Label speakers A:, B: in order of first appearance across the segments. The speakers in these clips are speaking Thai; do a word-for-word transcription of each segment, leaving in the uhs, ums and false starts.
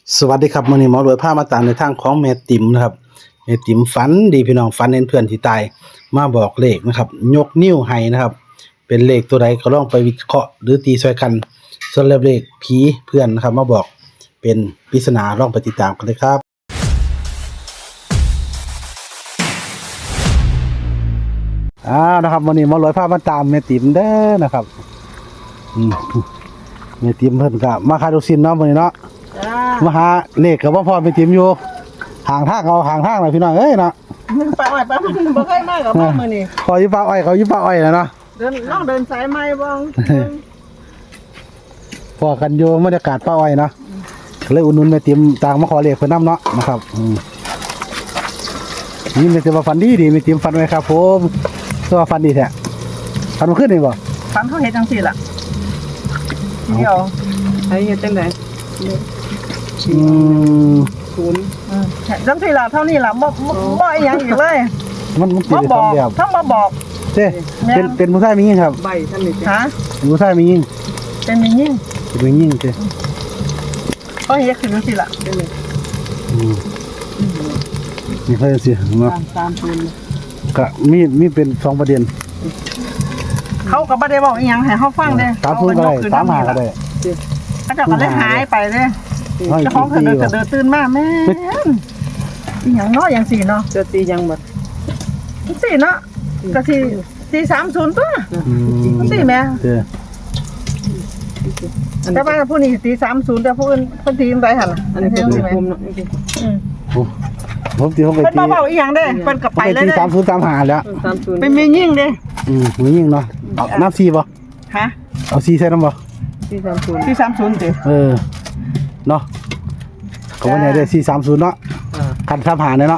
A: สวัสดีครับมื้อนี้หมอรวยพามาตามในทางของแม่ติ๋มนะครับแม่ติ๋มฝันดีพี่น้องฝันเห็นเพื่อนที่ตายมาบอกเลขนะครับยกนิ้วให้นะครับเป็นเลขตัวใดก็ลองไปวิเคราะห์หรือตีช่วยกันส่วนเลขผีเพื่อนนะครับมาบอกเป็นปริศนาลองไปติดตามกันเลยครับอ้าวนะครับวันนี้หมอรวยพามาตามแม่ติ๋มเด้อนะครับอืมแม่ติ๋มเพิ่นก็มาคาดูซินเนาะมื้อนี้เนาะมาหาเลขกับว่าพ่อไปติมอยู่ห่างทางเอาห่างทางหน่อยพี่น้องเอ้ยเนาะ
B: ปลาอ้อยปลามันบ่เคยมากับพ่อมื้อนี้
A: ขอยิบปลาอ้อยเขายิบปลาอ้อยแล้วเนาะ
B: เดินน้องเดินสายไม้บ้าง
A: พอกันอยู่บรรยากาศปลาอ้อยเนาะเลยอุ่นๆไปติมต่างมาขอเลขเพิ่นนำเนาะนะครับนี่มีแต่ว่าฟันดีดีมีติมฟันไว้ครับผมตัวฟันดีแท้ฟันมันขึ้นนี่บ่
B: ฟันเขาเฮ็ดจังซี่ล่ะเดี๋ยวไอ้เฮ็ดจังได๋
A: อืม
B: ศูนย์อือจังซี่ล่ะเท่านี้ล่ะบ่บ่อีหยังอีกเลย
A: มันมันสิได้2แบบ
B: ทั้งมาบอก
A: เด้เป็นเป็นผู้ชายมีหญิงครับ
B: ใบท่านนี่ฮะ
A: ผู้ชายมีหญิง
B: เป็นมีหญิง
A: เป็นมีหญิงเด้
B: เขาเฮ็ดขึ้นจังซี่ล่ะเด้
A: อืมนี่เขาจังซี่เนาะ
B: ตามศูนย์
A: ก็มีมีเป็นสองประเด็น
B: เขาก็บ่ได้บอกอีหยังให้เฮาฟังเด้
A: ตามศูนย์ก็ได้ตามหาก็ได้
B: เขาจะก็เลยหายไปเด้เจ้าของเพิ่นก็เดินตื่นมาแม่นอีหยังเนาะอย่างสี่เนาะจะตียังบัดสี่เนาะก็สิสี่สามศูนย์ตัวอืมสี่แม่เออแต่ว่าผู้นี้ตีสามศูนย์แต่ผู้อื่นเพิ่นตีจังได๋หั่นล่ะอันนี้เพิ่นตีผมเนาะอืม
A: ผมตีเขาไปตี
B: เพิ่นบ่เว้าอีหยังเด้เพิ่นก็ไปเลยเด้
A: สามศูนย์ตามหาแล้ว
B: สามศูนย์เป็นแม่ยิ่งเด้
A: อืมแม่ยิ่งเนาะเอาน้ำสี่บ่
B: ฮะ
A: เอาสี่ใส่น้ำบ่
B: สี่สามศูนย์สี่สามศูนย์ติ
A: เออเนาะก็ว่าไหนได้สี่สามศูนย์เนาะคันตามหาเนี่ยเนาะ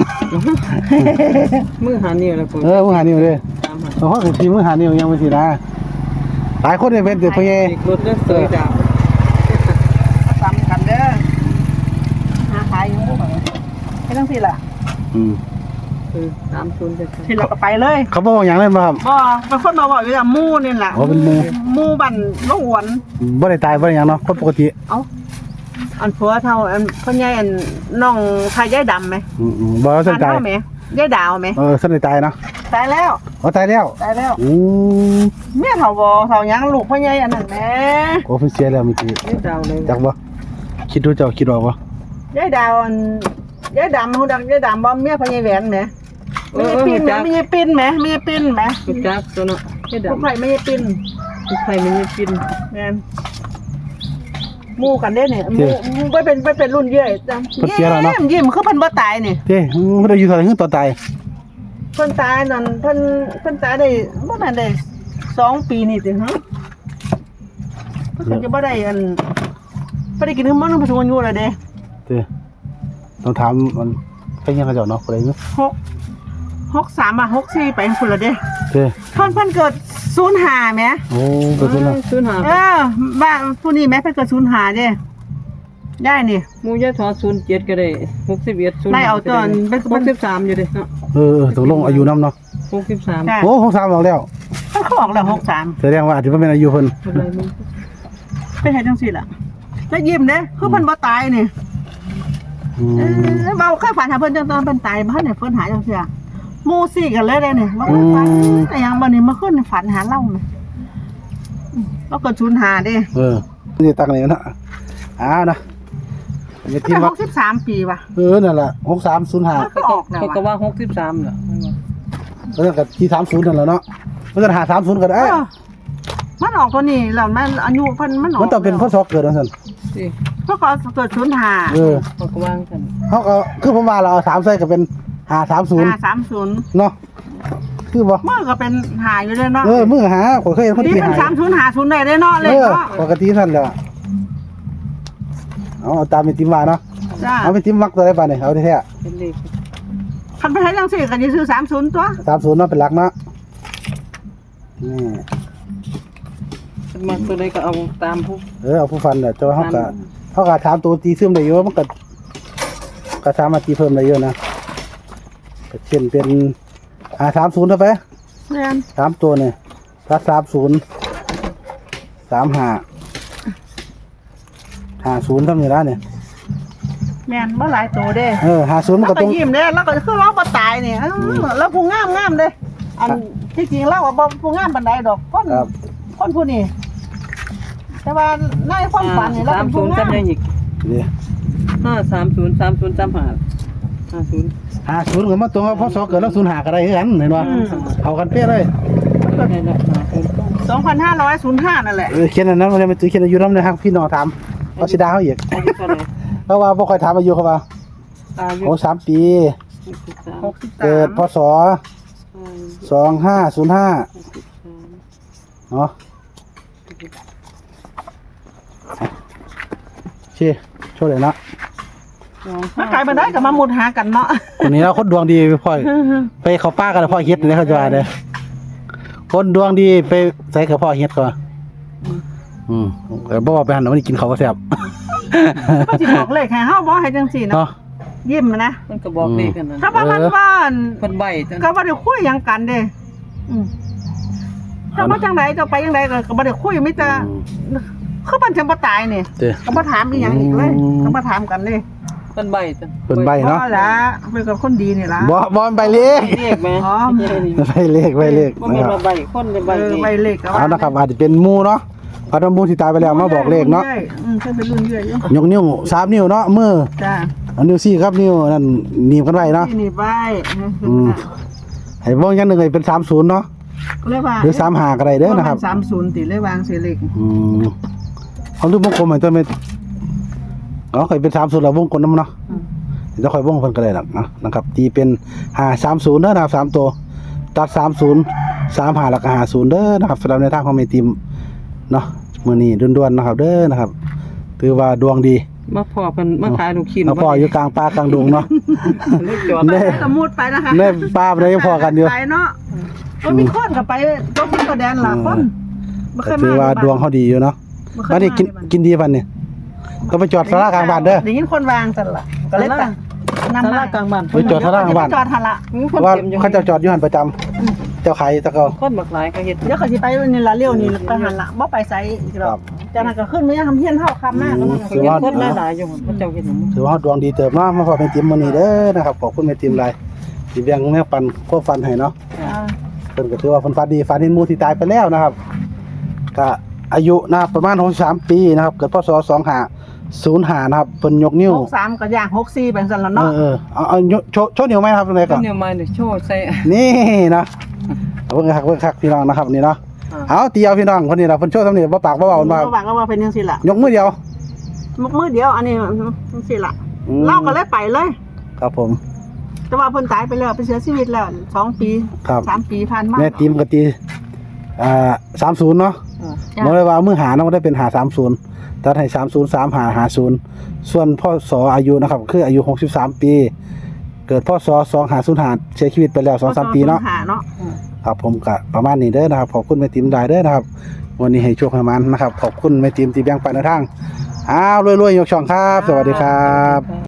B: มือหานิ้วแล้วพุ่น
A: เออมือหานิ้วเด้เพราะว่าสิมือหานิ้วยังบ่สินะหลายคนเนี่ยเป็นแต่พ่อใหญ่
B: รถเด้อสวยดาวซ้ำกันเด้อหาขายอยู่บ่ให้จังซี่ล่ะอืมคือสามศูนย์เด้อที่เราก็ไปเลย
A: เขาบอกหยังเลยบ่ครับ
B: บ่เป็นคนมาบอกอยู่ว่าหมู่นี่ล่ะ
A: อ๋อเป็นหมู่
B: หมู่บ้านลงหวน
A: บ่ได้ตายบ่ได้หยังเนาะคนปกติ
B: เอ้าอันผัวเฒ่าอันพ่อใหญ่อันน้องทายายดำมั้ย
A: อือๆบ่สนใจ
B: มั้ยยายดาวมั้ย
A: เออสนใจตายเนาะ
B: ตายแล้ว
A: อ๋อตายแล้ว
B: ตายแล้ว
A: อือ
B: เมียเฒ่าบ่เฒ่าหยังลูกพ่อใหญ่อันนั้นแหม
A: โอ้เพิ่นเสียแล้วเมื่อกี้
B: ยายดาวเลย
A: จักบ่คิดดูเจ้าคิดออกบ่
B: ยายดาวอันยายดำฮู้ดักยายดำบ่เมียพ่อใหญ่แหวนแหมมีปิ้นแหมมีปิ้นแหมมีปิ้นแหมจักตัวเนาะยายดำไผไม่ปิ้นไผไม่ปิ้นแม่นหมู่กันเด้เนี่ยหมู่บ่เป็นบ่เป็นรุ่นเยอะจังยิ้มยิ้มคือเพิ่นบ่ตายนี่
A: เด้เพิ่นได้อยู่เท่าไหร่คือตอนตาย
B: เพิ่นตายนั่นเพิ่นเพิ่นตายได้บ่แม่นได้สองปีนี่ติฮะเพิ่นจะบ่ได้อันบ่ได้กินมื้อมันผู้สูงอายุแล้วเด้
A: เด้ต้องถามมันใครยังเขาเจ้าเนาะบ่ได้มั้ย
B: หก หกสามอ่ะหกสี่ไปพุ่นละเด้
A: เด้
B: เพิ่นเพิ่นเกิดศูนย์ห้าแหม
A: โอ้เกิดศูนย์ห้า
B: ศูนย์ห้าเออบ้านผู้นี้แม่เพิ่นเกิดศูนย์ห้าเด้ได้นี่
C: หมู่ยายถอศูนย์เจ็ดก็ได้หกสิบเอ็ด
B: ศูนย์ได้เอาตอนเป็น
C: หกสิบสามอยู่เด้เนาะ
A: เออตกลงอายุนำเนาะ
C: หกสิบสาม
A: โอ้หกสิบสามออกแล้ว
B: เขาออกแล้วหกสิบสาม
A: แสดงว่าอาจจะบ่แม่นอายุเพิ่น
B: เป็นเฮ็ดจังซี่ล่ะแล้วยิ้มเด้คือเพิ่นบ่ตายนี่อืมเออเว้าเคยฝันหาเพิ่นจังตอนเพิ่นตายบ่ทันได้เพิ่นหายจังซี่หมู่ซี่กันเลยเด้นี่บ่ฝันแต่ยังบัดนี้เมื่อคืนฝันหาเราแม่เราเกิดศูนย์ห้าเด้
A: เออนี่ตักนี่เนาะอ้าวนะ
B: มีที่ว่าหกสิบสามปีว่ะ
A: เออนั่นแหละหกสามศูนย์ห้า
C: ก็ก็ก็ว่าหกสิบสามเหรอ
A: แล้วก็ที่สามสิบนั่นแหละเนาะมันจะหาสามสิบก็ได้
B: มันออกตัวนี้แล้วมันอายุเพิ่นมันออก
A: มันต้องเป็นพศเกิดว่าซั่น
B: สิเพราะเขาเกิดศูนย์ห้า
A: เออ
C: เขาก็วางกัน
A: เฮาก็คือผมว่าเราเอาสามใส่ก็เป็นห้าสามศูนย์
B: ห้าสามศูนย์
A: เนาะคือบ่
B: มื้อก็เป็นหาอยู่เด้เนาะ
A: เออมื้อหาข่อยเคยเห็นคนที่หา
B: สามศูนย์ห้าศูนย์ได้เด้เนาะเลยเนาะ
A: ปกติซั่นแหละเอาตามเป็นติมว่าเนาะเอาเป็นติมมักตัวได้ป่ะนี่เอาแท้ๆเป็นเลข
B: คันไปให้จังซี่ก็สิซื้อสามสิบตัว
A: สามสิบเนาะเป็นหลักเนาะนี่
C: มาตัวใดก็เอาตามผู้
A: เออเอาผู้ฟันน่ะแต่ว่าเฮาก็เฮาก็ถามตัวตีซึมได้อยู่มันก็ก็สามารถตีเพิ่มได้เยอะนะก็เช่นเป็นอ่าสามสิบเท่าไป
B: แม่น
A: สามตัวนี่ถ้าสามสิบ สามสิบห้า ห้าสิบเท่านี้ล่ะเนี่ย
B: แม่นบ่หลายตัวเด้
A: เออห้าศูนย์มัน
B: แล้ว
A: ก็
B: ก็
A: ตรง
B: ยิ้มเด้แล้วก็คือเราบ่ตายนี่เออแล้วผู้งามงามเด้อันที่จริงเราบ่ผู้งามปานใดดอกคนคนผู้นี้แต่ว่าในความฝันนี่เรา
C: สา
B: เป็
C: ม
B: น
C: ศู
B: ผู้
C: นย์
B: งาม
C: จำยังอีก
A: นี่
C: ห้าสามศูนย์สามศูนย์จำหาห้าศูนย์
A: ห้าศูนย์ก็มาตรงกับพศเกิดแล้วศูนย์ห้าก็ได้คือกันเห็นบ่เอากันเป๊ะเลย
C: นี่แหละห้าศูนย์
B: สองพันห้าร้อยห้านั่นแหละ
A: เออเขียนอันนั้นมันเป็นตัวเขียนอายุนำนะครับพี่น้องถามเขาสิด่าเฮาอีก
C: อายุเท่าไหร่
A: เพราะว่าบ่ค่อยถามอายุเขาว่า
C: อายุ
A: โอ้สามปี
C: หกสิบสาม
B: หกสิบสาม
A: เกิดพศสองห้าศูนย์ห้าเนาะชี้โชว์เลยนะ
B: มาขายบันไดกับมามุดหากันเนาะ
A: คนนี้เราคนดวงดีไปพ่อยไปเขาป้ากันพ่อเฮ็ดนี่เขาจะว่าเด้อคนดวงดีไปใส่กับพ่อเฮ็ดเขาว่าอืมแต่บ่ว่าไปหันมันกินเขาวก็แซ่บ
B: ก็สิบอกเลขให้เฮาบ่ให้จังซี่เนาะ
A: เนาะ
B: ยิ้มนะ
C: มันก็บอกเลขกันนั่น
B: ถ้าว่ามันว่าอั่น
C: เพิ่นใบจัง
B: ก็บ่ได้คุยหยังกันเด้อืมถ้าว่าจังไดจะไปจังไดก็ก็บ่ได้คุยมีแต่คือมันจังบ่ตายนี่
A: เด้อ
B: ก็บ่ถามอีหยังอีกเลย
A: อืม
B: ก็บ่ถามกันเลย
C: เพิ่นใบจัง
A: เพิ่นใบ เนาะ
B: บ่ละเป็นกับคนดีนี่ล่ะ
A: บ่บ่มันใบเลข
C: เลขไหม
B: อ๋อ
A: ใบเลขใบเลข
C: บ่
A: นะ
C: แม่น
A: ครับ
C: ว่าใบคนได้ใบ
B: เออ
C: เล
B: ใบ
C: ข
B: เลขก็
A: เอานะครับอาจจะเป็นหมู่เนาะเพราะว่าหมู่ที่ตายไปแล้วมาบอกเลขเนาะ
B: อืมเพิ่นเป็นรุ่นเรื่อยอยู่
A: ยกนิ้วสามนิ้วเนาะมือ
B: จ้า
A: เอานิ้วสี่ครับนิ้วนั่นหนีบกันไว้เนาะ
B: ที่นี่ใบ
A: อืม ให้เบิ่งอย่างหนึงให้เป็นสามสิบเนาะ
B: เลยว่า
A: หรือสามห้าก็ได้เด้อนะครับ
B: สามสิบติเลยวางเสเลข
A: อืมเอาลูกวงกลมให้ตัวเม็ดอ๋อข่อยเป็นสามสิบแล้ววงกลมนำเนาะเดี๋ยวข่อยวงเพิ่นก็ได้ดอกนะนะครับตีเป็นห้าสามศูนย์เด้อนะครับสามตัวตัดสามสิบ สามห้าแล้วก็ห้าสิบเด้อนะครับสำหรับในทางของแม่ติมเนาะมื้อนี้ด่วนๆนะครับเด้อนะครับถือว่าดวงดี
C: มาพอเพิ่นมาขายลูกชิ้น
A: เราพออยู่กลางป่ากลางดงเนาะ
C: เลขจอด
A: เด้
B: สมมุติไปนะคะ
A: ในป่าบ่ได้พอกันอยู่
B: ไปเนาะก็มีคนก็ไปก็มีก็แดนล่ะคนบ่เค
A: ก็
B: ยมา
A: ถือว่าดวงเขาดีอยู่เนาะ
B: บ่เคย
A: บัดนี้กินกินดีปันนี่ก็ไปจอดศาลากลางบ้านเด้อ
B: ได้ยินคนวางซั่นล่ะก็เลยไปนำ
C: ต
B: มา
C: ลาดกลางบ้าน
A: ไปจอดศาลากลางบ้าน
B: จอดหั่นล่ะ
C: คน
A: ว่า
C: เต็มอยู่
A: เขาเจ้าจอดอยู่หันประจำเจ้าขายตะเกา
C: คนบักหลายก็เฮ็ด
B: เดี๋ยวก็สิไปนี่ล่ะเลี้ยวนี่ไปหั่นล่ะบ่ไปไสอีกด
A: ครั
B: อบ กจากนั้นก็ขึ้นมายังทำเฮียนเฮาคำหน้าก็นั่น
A: ถือว่า
C: คนหลายๆอยู่เขาเจ้าเฮ็ดหยัง
A: ถือว่าดวงดีเติบเนาะมาพอเป็นติมมื้อนี้เด้อนะครับขอบคุณแม่ติมหลายที่แบ่งแม่ปันควบฟันให้เนาะ
B: อ่า
A: เพิ่นก็ถือว่าเพิ่นฟันดีฟันเห็นหมู่ที่ตายไปแล้วนะครับก็อายุนะครับประมาณหกสิบสามปีนะครับเกิดพศสองห้าศูนย์ห้านะครับเพิ่นยกนิ้ว
B: หกสามก็ย่างหกสี่เป็นซั่นล่ะ
A: เอ
B: เนาะ
A: อเออเอาเอายกโชว์โชว์นิ้วไหมครับตรงไหน
C: ก็
A: ก่อน
C: เนี่ยมาเนี่ยโชว์ใส่
A: นี่นะเอาเบิ่งคักเบิ่งคักพี่น้องนะครับนี่เนาะ
C: อ่า
A: เอาเตียวพี่น้องคนนี้ล่ะเพิ่นโชว์สำเนียงบ่ปากบ่เว้าเพิ่นว่า
B: ระหว่างก็ว่าเป็นจังซี่ล่ะ
A: ยกมือเดียว
B: มือเดียวอันนี้จังซี่ล่ะ
A: อืม
B: เล่าก็เลยไปเลย
A: ครับผม
B: แต่ว่าเพิ่นตายไปแล้วไปเสียชีวิตแล้วสองปี
A: ครับ
B: สามปีผ่านมา
A: แม่ติมก็ตีอ่าสามสิบเนาะ
C: อ่า
B: จ้ะ
A: บ่ได้ว่ามือหาเนาะบ่ได้เป็นหาสามสิบตัดให้สามสิบ สามห้า ห้าสิบส่วนพ่อสออายุนะครับคืออายุหกสิบสามปี เกิดพ่อสอสองห้าศูนย์ห้าเสียชีวิตไปแล้ว สองสาม ปีเนาะ
B: หาเนาะ
A: ครับผมก็ประมาณนี้เด้อนะครับขอบคุณแม่ติมได้เด้อนะครับ วันนี้ให้โชคให้มันนะครับขอบคุณแม่ติมที่แบ่งปันในทางอ้าวรวยๆยกช่องครับ สวัสดีครับ